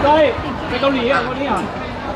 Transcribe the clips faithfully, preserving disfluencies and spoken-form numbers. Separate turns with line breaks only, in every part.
ได้ไปเกาหลีอ่ะวันนี้อ่ะ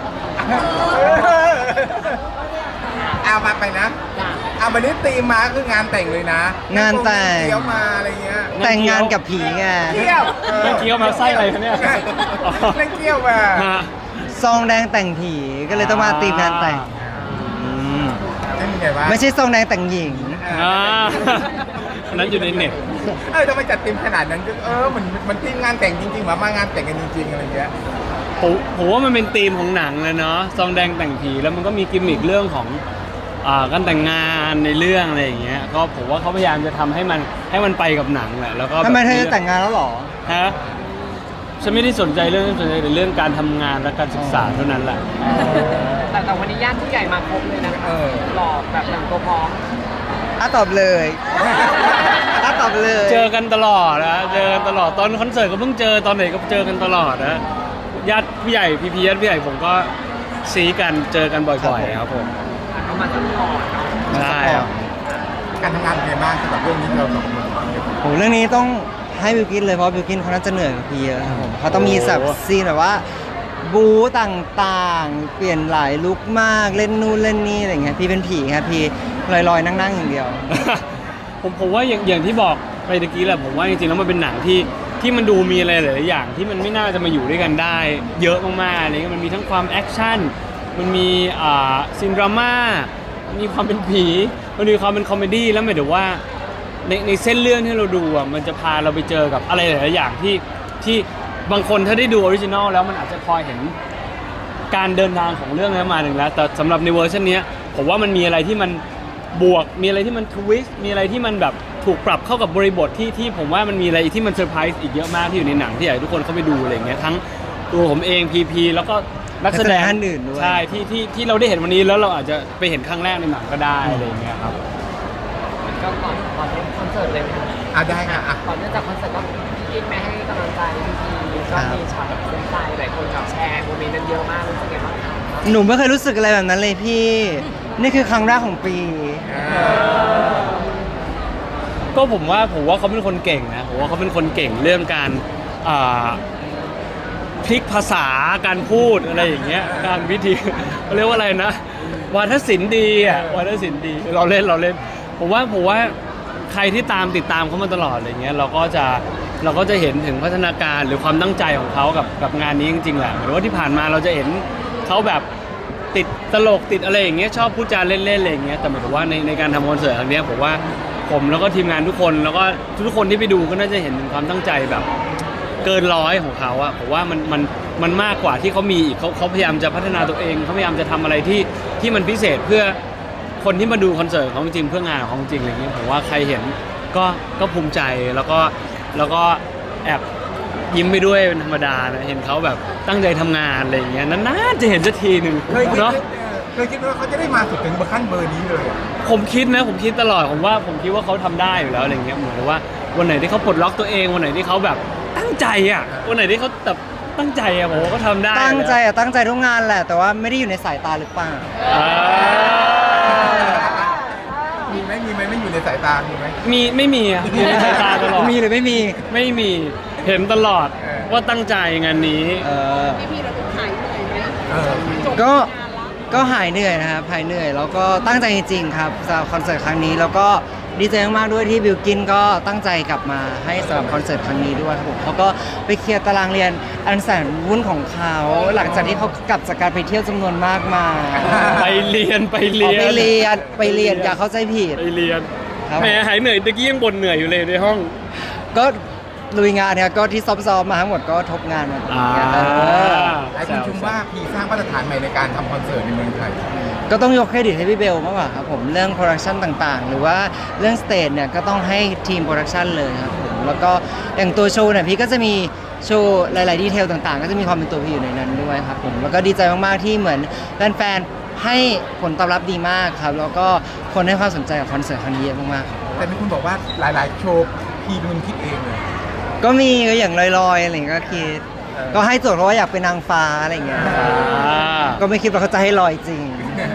เอามาไปนะเอาวันนี้ตีมมาคืองานแต่งเลยนะ
งานแต่ง
เที่ยวมาอะไรเงี้ย
แต่งงานกับผีไง
เที่ยว
เมื่อกี้เอามาไส้อะไรคะเนี่ย
เล่นเที่ยวมา
ฮะ
ซองแดงแต่งผีก็เลยต้องมาตีมงานแต่งอืม
ไม่มีไงวะ
ไม่ใช่ซองแดงแต่งหญิง
อ่าอันนั้นอยู่ในเน็ต
เออทำไมจัดตีมขนาดนั้นเออมันมันทีมงานแต่งจริงๆหรอมางานแต่งกันจริงๆอะไรเงี้ย
ผมผมว่ามันเป็นธีมของหนังเลยเนาะซองแดงแต่งผีแล้วมันก็มีกิมมิคเรื่องของอ่าการแต่งงานในเรื่องอะไรอย่างเงี้ยก็ผมว่าเขาพยายามจะทำให้มันให้มันไปกับหนังแหละแล้วก็
ทำไมเธอ
แบบ
จะแต่งงานแล้วเหรอ
ฮะฉันไม่ได้สนใจเรื่องนั้นสนใจแต่เรื่องการทำงานและการศึกษาเท่านั้นแหละ
แต่แต่วันนี้ญาติผู้ใหญ่มาครบเลยนะ
เออ
หล่อแบบแต่งตัวพร้อม
อ่ะตอบเลยอ่ะตอบเลย
เจอกันตลอดนะเจอกันตลอดตอนคอนเสิร์ตก็เพิ่งเจอตอนไหนก็เจอกันตลอดนะญาติผู้ใหญ่พี่พีญาติผู้ใหญ่ผมก็ซีกันเจอกันบ่อยๆครับผม
เขามาซัพพอร์ตเนาะ
ใช่ครับ
การทำงานเป็นไงบ้างสำหรับเรื่องนี้เราสองคน
โหเรื่องนี้ต้องให้บิวกินเลยเพราะบิวกินเขาน่าจะเหนื่อยกว่าพี่เยอะครับผมเขาต้องมีแบบซีนแบบว่าบู๊ต่างๆ เปลี่ยนหลายลุคมากเล่นนู่นเล่นนี่อะไรเงี้ยพี่เป็นผีครับพี่ลอยๆนั่งๆอย่างเดียว
ผมผมว่าอย่างอย่างที่บอกไปตะกี้แหละผมว่าจริงๆแล้วมันเป็นหนังที่ที่มันดูมีอะไรหลายๆอย่างที่มันไม่น่าจะมาอยู่ด้วยกันได้ เยอะมากๆอะไรเงี้ยมันมีทั้งความแอคชั่นมันมีอ่าซีนดราม่ามีความเป็นผีมันมีความเป็นคอมเมดี้แล้วหมายถึงว่าในในเส้นเรื่องที่เราดูอ่ะมันจะพาเราไปเจอกับอะไรหลายๆอย่างที่ที่บางคนถ้าได้ดูออริจินอลแล้วมันอาจจะพอเห็นการเดินทางของเรื่องนั้นมาหนึ่งแล้วแต่สำหรับในเวอร์ชันนี้ผมว่ามันมีอะไรที่มันบวกมีอะไรที่มันทวิสต์มีอะไรที่มันแบบถูกปรับเข้ากับบริบทที่ที่ผมว่ามันมีอะไรที่มันเซอร์ไพรส์อีกเยอะมากที่อยู่ในหนังที่อยากให้ทุกคนเข้าไปดูอะไรอย่างเงี้ยทั้งตัวผมเองพีพีแล้วก็นักแสดง
นักแสดงท่านอื่นด้วย
ใช่ที่ที่ที่เราได้เห็นวันนี้แล้วเราอาจจะไปเห็นครั้งแรกในหนังก็ได้อะไรอย่างเงี้ยครับ
ก็ก่อนก่อนเล่นคอนเสิร์ตเลยไหมคะ
อ่ะได้ค่ะอ่ะ
ก่อนเนื่องจากคอนเสิร์ตก็กินไปให้กำลังใจพี่ๆก็มีช็อตแบบเซนใจหลายคนกับแชร์โมเมนต์นั้นเยอะมากรู้สึกไงบ้างคะ
หนูไม่เคยรู้สึกอะไรแบบนั้นเลยพี่ นี่คือครั้งแรกของปี
ก็ผมว่าผมว่าเขาเป็นคนเก่งนะผมว่าเขาเป็นคนเก่งเรื่องการอ่าพลิกภาษาการพูดอะไรอย่างเงี้ยการวิธีเขาเรียกว่าอะไรนะวาทศิลป์ดีอ่ะวาทศิลป์ดีเราเล่นเราเล่นผมว่าผมว่าใครที่ตามติดตามเขามาตลอดอะไรเงี้ยเราก็จะเราก็จะเห็นถึงพัฒนาการหรือความตั้งใจของเขากับกับงานนี้จริงๆแหละหรือว่าที่ผ่านมาเราจะเห็นเขาแบบติดตลกติดอะไรอย่างเงี้ยชอบพูดจาเล่นๆอะไรอย่างเงี้ยแต่หมายถึงว่าในในการทำคอนเสิร์ตครั้งเนี้ยผมว่าผมแล้วก็ทีมงานทุกคนแล้วก็ทุกคนที่ไปดูก็น่าจะเห็นถึงความตั้งใจแบบเกินร้อยของเขาอะผมว่ามันมันมันมากกว่าที่เขามีอีกเขาเขาพยายามจะพัฒนาตัวเองเขาพยายามจะทำอะไรที่ที่มันพิเศษเพื่อคนที่มาดูคอนเสิร์ตของจริงเพื่องานของจริงอะไรเงี้ยผมว่าใครเห็นก็ก็ภูมิใจแล้วก็แล้วก็แอบยิ้มไปด้วยเป็นธรรมดานะเห็นเขาแบบตั้งใจทำงานอะไรอย่างเงี้ยนานๆจะเห็นสักทีหนึ่ง
เคยคิด
เนาะ
เคยคิดว่าเขาจะได้มาสุดถึงขั้นเบอร์นี้เลยอ่ะ
ผมคิดนะผมคิดตลอดผมว่าผมคิดว่าเขาทำได้อยู่แล้วอะไรเงี้ยเหมือนกับว่าวันไหนที่เขาปลดล็อกตัวเองวันไหนที่เขาแบบตั้งใจอ่ะวันไหนที่เขาแบบตั้งใจอ่ะผมว่าเขาทำได้
ตั้งใจอะตั้งใจทุกงานแหละ แต่ว่าไม่ได้อยู่ในสายตาหรือเปล่า
อ่า
มีไหมมีไหมไม่อยู่ในสายตามีไหม
มีไม่มีอ่ะอยู่ในสายตาตลอด
มีหรือไม่มี
ไม่มีเห็นตลอด
เออ
ว่าตั้งใจงานนี้
เออ
พี่ๆเราดูหายเหนื่อยไหม
เออ
ก็ก็หายเหนื่อยนะครับหายเหนื่อยแล้วก็ตั้งใจจริงๆครับสำหรับคอนเสิร์ตครั้งนี้แล้วก็ดีใจมากๆด้วยที่บิวกินก็ตั้งใจกลับมาให้สำหรับคอนเสิร์ตครั้งนี้ด้วยครับผมเขาก็ไปเคลียร์ตารางเรียนอันแสนวุ่นของเขาหลังจากที่เขากลับจากการไปเที่ยวจำนวนมากมา
ไปเรียนไป
อ๋
เรี
อย
น
ไปเรียนไปเรียนอย่าเข้าใจผิด
ไปเรียน
ครับ
แหมหายเหนื่อยตะกี้ยังบ่นเหนื่อยอยู่เลยในห้อง
ก็ลุยงานเนี่ยก็ที่ซ้อมๆมาทั้งหมดก็ทบงานมาตรงนี้
อ่า
เออ
หลายคนชมว่าพีสร้างมาตรฐานใหม่ในการทำคอนเสิร์ตในเมืองไทย
ก็ต้องยกเครดิตให้พี่เบลมากกว่าครับผมเรื่องโปรดักชันต่างๆ หรือว่าเรื่องสเตจเนี่ยก็ต้องให้ทีมโปรดักชันเลยครับผมแล้วก็อย่างตัวโชว์เนี่ยพี่ก็จะมีโชว์หลายๆดีเทลต่างๆ ก็จะมีความเป็นตัวพี่อยู่ในนั้นด้วยครับผมแล้วก็ดีใจมากๆที่เหมือนแฟนๆให้ผลตอบรับดีมากครับแล้วก็คนให้ความสนใจกับคอนเสิร์ตครั้งนี้เยอะมากๆครับ
แต่มีคุณบอกว่าหลาย ๆ โชว์พีเป็นคนคิดเองเลย
ก็มีก็อย่างลอยๆอะไรอย่างเงี้ยก็คิด
เออ
ก็ให้โจทย์เพราะว่าอยากเป็นนางฟ้าอะไรอย่างเงี้ย
อ่า
ก็ไม่คิดว่าเขาจะให้ลอยจริง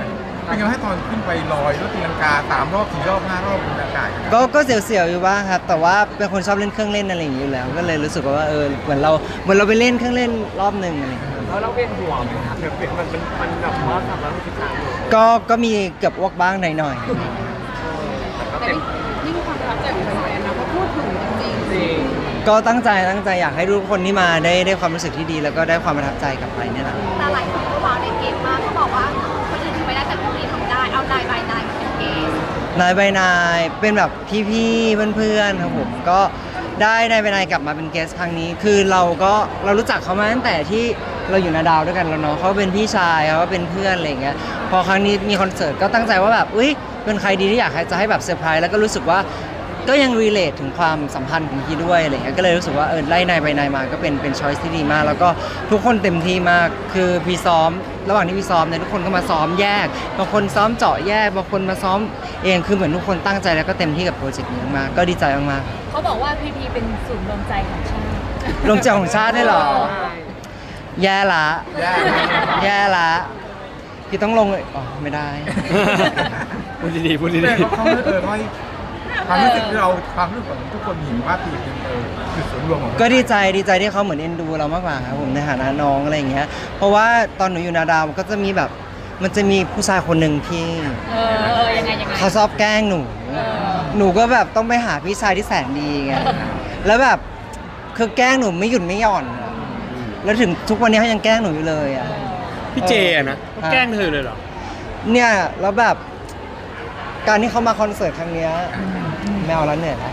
เป็นไงให้ตอนขึ้นไปลอยรถตีลังกาสามรอบสี่รอบห้ารอบบนอากาศ
ก็ก็เสียวๆอยู่บ้างครับ แต่ว่าเป็นคนชอบเล่นเครื่องเล่นอะไรอย่างนี้อยู่แล้ว ก็เลยรู้สึกว่าเออเหมือนเราเหมือนเราไปเล่นเครื่องเล่นรอบหนึ่งอะไรอย่างเงี้ย
แล้วเราเวียนหัวไหมครับเดี๋ยวมันมันมันแบบว่าสามร้อยหกสิบสามอยู่
ก็ก็มีเกือบอ้วกบ้างหน่อย
แต่ก็
แต่
เต็ม
นี่มีความประทับใจของแฟนๆนะเพราะพูดถึงจริง
จริง
ๆก็ตั้งใจตั้งใจอยากให้ทุกคนที่มาได้ได้ความรู้สึกที่ดี แล้วก็ได้ความประทับใจกลับไปเนี่ยแหละ
แต่หลายคนก็ว้าวในเกมมากเขาบอกว่าคนอื่นทำไม่ได้แต่พวกนี้ทำได้ เอานายบายนายมาเป็นเกม
นายใบนายเป็นแบบพี่ๆเพื่อนๆครับผมก็ได้นายใบนายกลับมาเป็นเกสครั้งนี้ คือเราก็เรารู้จักเขามาตั้งแต่ที่เราอยู่นาดาวด้วยกันแล้วเนาะเขาเป็นพี่ชายเขาก็เป็นเพื่อนอะไรอย่างเงี้ยพอครั้งนี้มีคอนเสิร์ตก็ตั้งใจว่าแบบอุ้ยเป็นใครดีที่อยากให้จะให้แบบเซอร์ไพรส์แล้วก็รู้สึกว่าก็ยังรีเลทถึงความสัมพันธ์ของพี่ด้วยอะไรเงี้ยก็เลยรู้สึกว่าเออไล่นายใบนายมาก็เป็นเป็นช้อยส์ที่ดีมาก แล้วก็ทุกคนเต็มที่มากคือพี่ซ้อม ระหว่างที่พี่ซ้อมเนี่ยทุกคนก็มาซ้อมแยกบางคนซ้อมเจาะแยกบางคนมาซ้อมเองคือเหมือนทุกคนตั้งใจแล้วก็เต็มที่กับโปรเจกต์นี้มากก็ดีใจมาก
ๆเขาบอกว่าพีพีเป็นศูนย์รวมใจของชาติ
ๆลงใจของชาติได้เหรอ แย่ละ
แย่
แย่ละพี่ต้องลงเลยอ๋อไม่ได้
พูดดีๆพูดดี
แต่เขาเออไม่ความรู้สึกที่เราความรู้สึกของทุกคนเห็นว่าปีเป็นเออคือส่วนรวมของ
ก็ดีใจดีใจที่เขาเหมือนเอ็นดูเรามากกว่าครับผมในฐานะน้องอะไรอย่างเงี้ยเพราะว่าตอนหนูอยู่นาดาวก็จะมีแบบมันจะมีผู้ชายคนหนึ่งที่
เออเออยังไงยังไง
เขาชอบแกล้งหนู
เออ
หนูก็แบบต้องไปหาพี่ชายที่แสนดีไงแล้วแบบคือแกล้งหนูไม่หยุดไม่หย่อนอะแล้วถึงทุกวันนี้เขายังแกล้งหนูอยู่เลยอ่ะ
ๆพี่เจอะนะเขาแกล้งเธอเลยเหรอ
เนี่ยแล้วแบบการที่เขามาคอนเสิร์ตครั้งเนี้ยแมวแล้วเหนื่อยแล้ว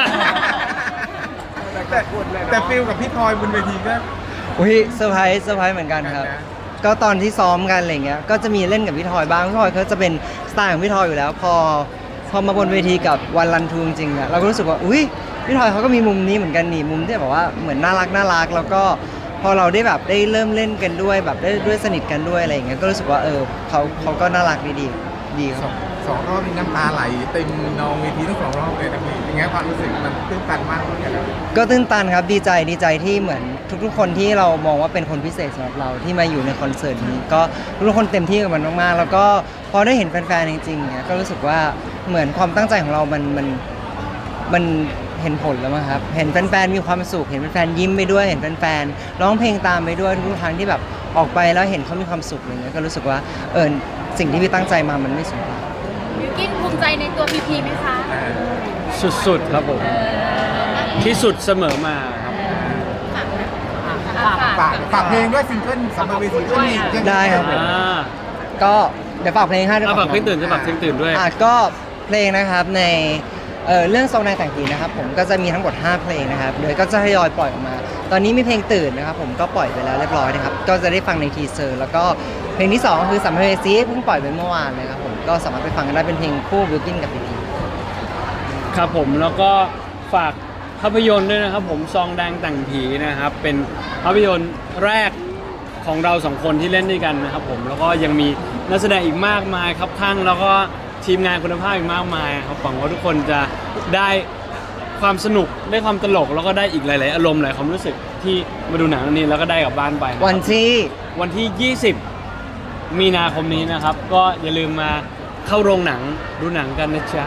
แต่แต่ฟิลกับพี่ทอยบนเวทีก็
อุ้ยเซอร์ไพรส์เซอร์ไพรส์เหมือนกันครับ
นะ
ก็ตอนที่ซ้อมกันอะไรเงี้ยก็จะมีเล่นกับพี่ทอยบ้างพี่ทอยเขาจะเป็นสไตล์ของพี่ทอยอยู่แล้ว พอพอมาบนเวทีกับวันรันทูจริงๆอะเราก็รู้สึกว่าอุ้ยพี่ทอยเขาก็มีมุมนี้เหมือนกันนี่มุมที่แบบว่าเหมือนน่ารักน่ารักแล้วก็พอเราได้แบบได้เริ่มเล่นกันด้วยแบบได้ด้วยสนิทกันด้วยอะไรอย่างเงี้ยก็รู้สึกว่าเออเขาเขาก็น่ารักดีดีดีค
ส
รั
อบ งสองรอบมีน้ำตาไหลเต็มนองเวทีทั้งสองรอบเลยนะพี่เป็นไงความรู้สึกมันตื้นตันมากเลยนะ
ก็ตื้นตันครับดีใจดีใจที่เหมือนทุกๆ คนที่เรามองว่าเป็นคนพิเศษสำหรับเราที่มาอยู่ในคอนเสิร์ตนี้ก็ทุกๆคนเต็มที่กับมันมากๆแล้วก็พอได้เห็นแฟนๆจริงๆเนี่ยก็รู้สึกว่าเหมือนความตั้งใจของเรามันมันมันเห็นผลแล้วมั้งครับเห็นแฟนๆมีความสุขเห็นแฟนๆยิ้มไปด้วยเห็นแฟนๆร้องเพลงตามไปด้วยทุกๆครั้งที่แบบออกไปแล้วเห็นเขามีความสุขอะไรเงี้ยก็รู้สึกว่าเออสิ่งที่พี่ตั้งใจมามันไม่สูญเปล่า
บิวกิ้นภูมิใจในตัวพีพีไหมคะ
สุดๆครับผมที่สุดเสมอมาครับ
ฝาก
ฝากฝากเพลงด้วยซิงเกิลสำหรับเวทีก็มี
ได้ครับผม
อ่า
ก็เดี๋ยวฝากเพลงให้ด้วย
เอาฝากเพลงตื่นจะฝากเพลงตื่นด้วย
อ่ะก็เพลงนะครับในเอ่อเรื่องทรงในแต่งผีนะครับผมก็จะมีทั้งหมดห้าเพลงนะครับเดี๋ยวก็จะทยอยปล่อยออกมา ตอนนี้มีเพลงตื่นนะครับผมก็ปล่อยไปแล้วเรียบร้อยนะครับก็จะได้ฟังในทีเซอร์แล้วก็เพลงที่สองก็คือสัมภเวสีเพิ่งปล่อยไปเมื่อวานเลยครับผมก็สามารถไปฟังกันได้เป็นเพลงคู่บิวกินกับพีพี
ครับผมแล้วก็ฝากภาพยนตร์ด้วยนะครับผมซองแดงแต่งผีนะครับเป็นภาพยนตร์แรกของเราสองคนที่เล่นด้วยกันนะครับผมแล้วก็ยังมีนักแสดงอีกมากมายครับข้างแล้วก็ทีมงานคุณภาพอีกมากมายครับหวังว่าทุกคนจะได้ความสนุกได้ความตลกแล้วก็ได้อีกหลาย ๆ อารมณ์หลายความรู้สึกที่มาดูหนังเรื่องนี้แล้วก็ได้กลับบ้านไปนะครับ
วันที่
วันที่ ยี่สิบ มีนาคมนี้นะครับก็อย่าลืมมาเข้าโรงหนังดูหนังกันนะจ๊ะ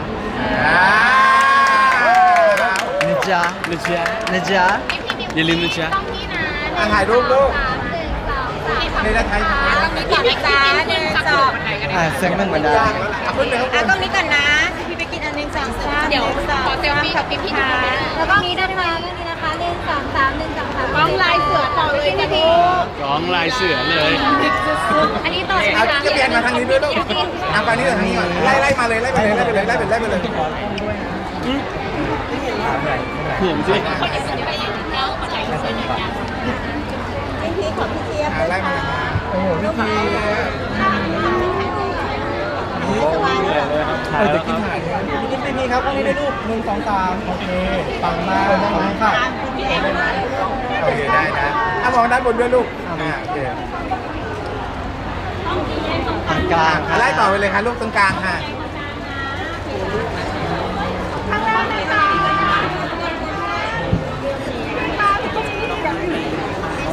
นะจ๊ะ
นะจ๊ะ
นะจ๊ะ
อย่าลืมนะจ๊ะ
ต้องนี่นะ
อ่ะถ่ายรูปลูก
สามหนึ่งสองสาม
ในระไทย
ต้องมีก่อนนะจ๊ะหนึ่งสอง
อ่ะเสียงหนึ่งเหมือนเดิม
เอาขึ้นไปข้างบ
อ่ะ
น
ตรงนี้ก่อนนะ พี่ไปกินอันหนึ่งสองสามเดี๋ยวขอเซลฟี่กับพี่พี่นะ
แล้วก็มีนะคะนี่นะคะหนึ่งสองสามหนึ่งสองสาม
กล้องลายเสือต่อเลยจ้ะพี่
ร้องลายเสือเลย
อันนี้ต่อใช่ไหม
เอา
คะ
จะเปลี่ยนมาทางนี้ด้วยลูกเอาไปนี่ก่อนทางนี้ก่อนไล่ไล่มาเลยไล่ไปเลยไล่ไปเลยไล่ไปเลยไล่ไปเลย
เห็นสิ
อ่ะไล่มาเลยโอ้โหพี่ทีเออจะกินถ่ายพี่กินไปนี่ครับตรงนี้ได้รูปหนึ่งสองสามโอเคปังมากขอบคุณค่ะโอเคได้นะอ่ะมองด้านบนด้วยลูกอ่าโอเค
ทางกลาง
อ่ะไล่ต่อไปเลยค่ะลูกตรงกลางค่ะ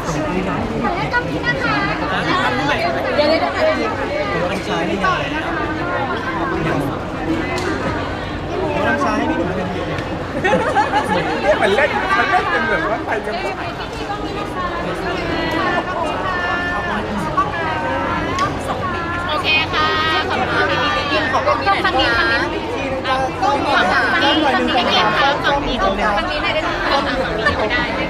ขอเล่นตรงนี้นะคะ
เดี๋ยวเดี๋ยวเดี๋ยว
ต้องใช้นี่ไง
มันเล่นมันเล่นเป็นแบบว่าไปกัน
โอเคค่ะขอบคุณค่ะพี่ขอบคุณพี่ฝั่งนี้ฝั่งนี้ต้องฝั่งนี้ฝั่งนี้ฝั่งนี้ฝั่งนี้ฝั่งนี้ฝั่งนี้ไหนได้ไหมฝั่งนี้ไม่ได้